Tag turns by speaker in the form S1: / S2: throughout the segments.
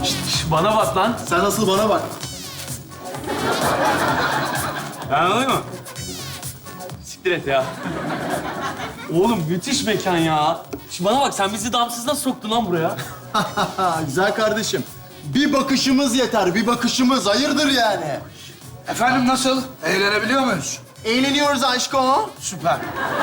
S1: Bana bak lan.
S2: Sen asıl bana bak.
S1: Ben alayım mı? Siktir et ya. Oğlum müthiş mekan ya. Bana bak, sen bizi damsız nasıl soktun lan buraya?
S2: Güzel kardeşim. Bir bakışımız yeter, bir bakışımız. Hayırdır yani?
S3: Efendim nasıl? Eğlenebiliyor muyuz?
S2: Eğleniyoruz aşkım.
S3: Süper.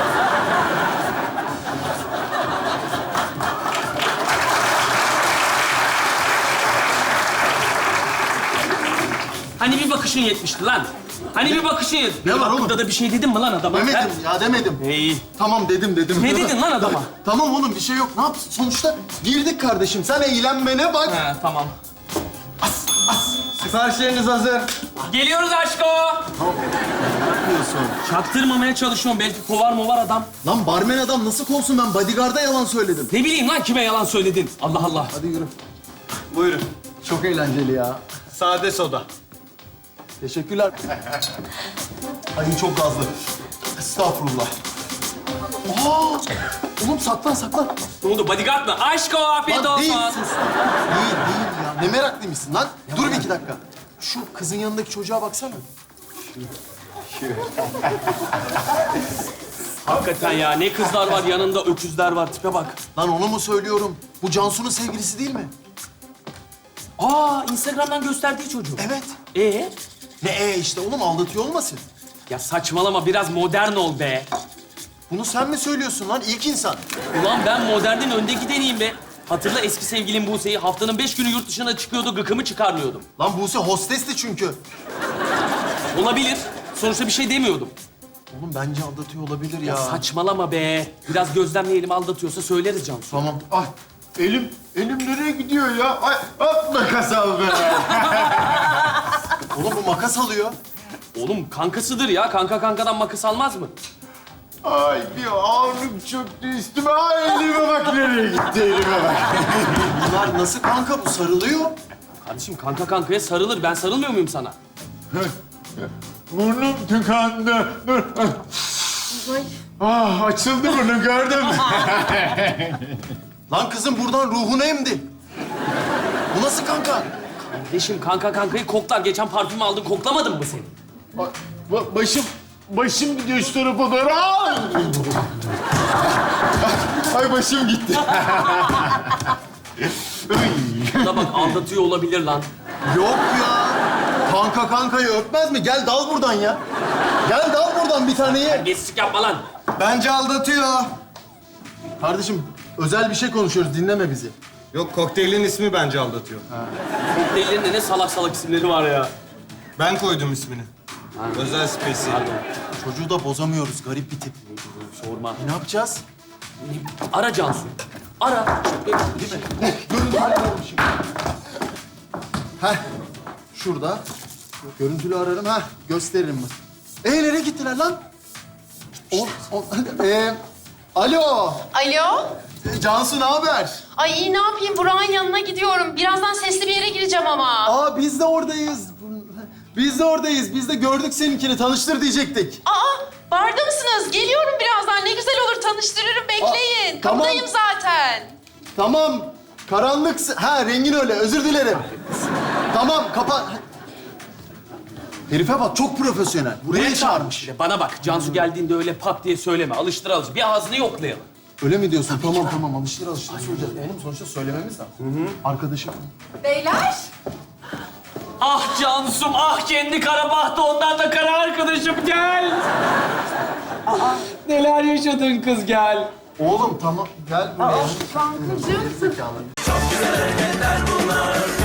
S1: Hani bir bakışın yetmişti lan. Hani bir bakışın yetmişti.
S2: Ne var oğlum?
S1: Hakkında da bir şey dedin mi lan adama?
S2: Demedim ya, demedim.
S1: İyi.
S2: Tamam dedim.
S1: Ne dedin lan adama?
S2: Tamam oğlum, bir şey yok. Ne yapsın? Sonuçta girdik kardeşim. Sen eğlenmene bak.
S1: He, tamam.
S2: Siparişleriniz hazır.
S1: Geliyoruz aşko.
S2: Ne yapıyorsun?
S1: Çaktırmamaya çalışıyorum. Belki kovar movar adam.
S2: Lan barmen adam nasıl kovsun? Ben bodyguard'a yalan söyledim.
S1: Ne bileyim lan kime yalan söyledin. Allah Allah.
S2: Hadi yürü.
S4: Buyurun.
S2: Çok eğlenceli ya.
S4: Sade soda.
S2: Teşekkürler. Ay çok gazlı. Estağfurullah. Aa! Oğlum saklan.
S1: Ne oldu, bodyguard mı? Aşko, afiyet
S2: Lan değil,
S1: olsun.
S2: sus. Değil ya. Ne meraklıymışsın lan? Dur bir iki dakika. Şu kızın yanındaki çocuğa baksana.
S1: Hakikaten ya, ne kızlar var yanında, öküzler var. Tipe bak.
S2: Lan onu mu söylüyorum? Bu Cansu'nun sevgilisi değil mi?
S1: Aa, Instagram'dan gösterdiği çocuk.
S2: Evet.
S1: Ne?
S2: İşte oğlum, aldatıyor olmasın?
S1: Ya saçmalama, biraz modern ol be.
S2: Bunu sen mi söylüyorsun lan? İlk insan.
S1: Ulan ben modernin önde gideneyim be. Hatırla eski sevgilim Buse'yi. Haftanın 5 günü yurt dışına çıkıyordu, gıkımı çıkarmıyordum.
S2: Lan Buse hostesti çünkü.
S1: Olabilir. Sonuçta bir şey demiyordum.
S2: Oğlum bence aldatıyor olabilir ya.
S1: Ya saçmalama be. Biraz gözlemleyelim, aldatıyorsa söyleriz Cansu.
S2: Tamam.
S4: Ay elim nereye gidiyor ya? Ay hop makas al be.
S2: Oğlum bu makas alıyor.
S1: Oğlum kankasıdır ya. Kanka kankadan makas almaz mı?
S4: Ay bir ağırlık çöktü üstüme. Ay elime bak nereye gitti elime bak.
S2: Bunlar nasıl kanka? Bu sarılıyor.
S1: Kardeşim kanka kankaya sarılır. Ben sarılmıyor muyum sana?
S4: Burnum tıkandı. Dur. Ah açıldı burnu gördün mü?
S2: Lan kızım buradan ruhunu emdi. Bu nasıl kanka?
S1: Kardeşim kanka kankayı koklar. Geçen parfüm aldın, koklamadın mı seni?
S4: Başım gidiyor şu tarafa doğru. Ay! Ay başım gitti.
S1: Da bak aldatıyor olabilir lan.
S2: Yok ya. Kanka kankayı öpmez mi? Gel dal buradan ya. Gel dal buradan bir taneyi.
S1: Terbiyesizlik yapma lan.
S2: Bence aldatıyor. Kardeşim özel bir şey konuşuyoruz. Dinleme bizi.
S4: Yok kokteylin ismi bence aldatıyor.
S1: Kokteyllerinde ne salak salak isimleri var ya.
S4: Ben koydum ismini. Özel spesiyel.
S2: Çocuğu da bozamıyoruz. Garip bir tip.
S1: Sorma.
S2: Ne yapacağız?
S1: Ara Cansu. Ara.
S2: Değil mi? Görüntülü ararım şimdi. Heh. Şurada. Görüntülü ararım. Heh. Gösteririm bak. Nereye gittiler lan? Alo.
S5: Alo?
S2: Cansu ne haber?
S5: Ay iyi ne yapayım? Burak'ın yanına gidiyorum. Birazdan sesli bir yere gireceğim ama.
S2: Aa biz de oradayız. Biz de oradayız. Biz de gördük seninkini. Tanıştır diyecektik.
S5: Aa, barda mısınız? Geliyorum birazdan. Ne güzel olur. Tanıştırırım. Bekleyin.
S2: tamam.
S5: Kapıdayım zaten.
S2: Tamam. Karanlık... Ha rengin öyle. Özür dilerim. Tamam kapa... Herife bak çok profesyonel. Buraya çağırmış.
S1: Bana bak, Cansu geldiğinde öyle pat diye söyleme. Alıştır alıştır. Bir ağzını yoklayalım.
S2: Öyle mi diyorsun? Tamam. Alıştır söyleyeceğiz. Oğlum sonuçta söylememiz lazım. Arkadaşım.
S5: Beyler.
S1: Ah Cansum, ah kendi kara bahtı, ondan da kara arkadaşım, gel. Neler yaşadın kız, gel.
S2: Oğlum tamam. Gel buraya.
S5: Kankacığım.
S2: Zekalı.
S6: Çok güzel hareketler bunlar.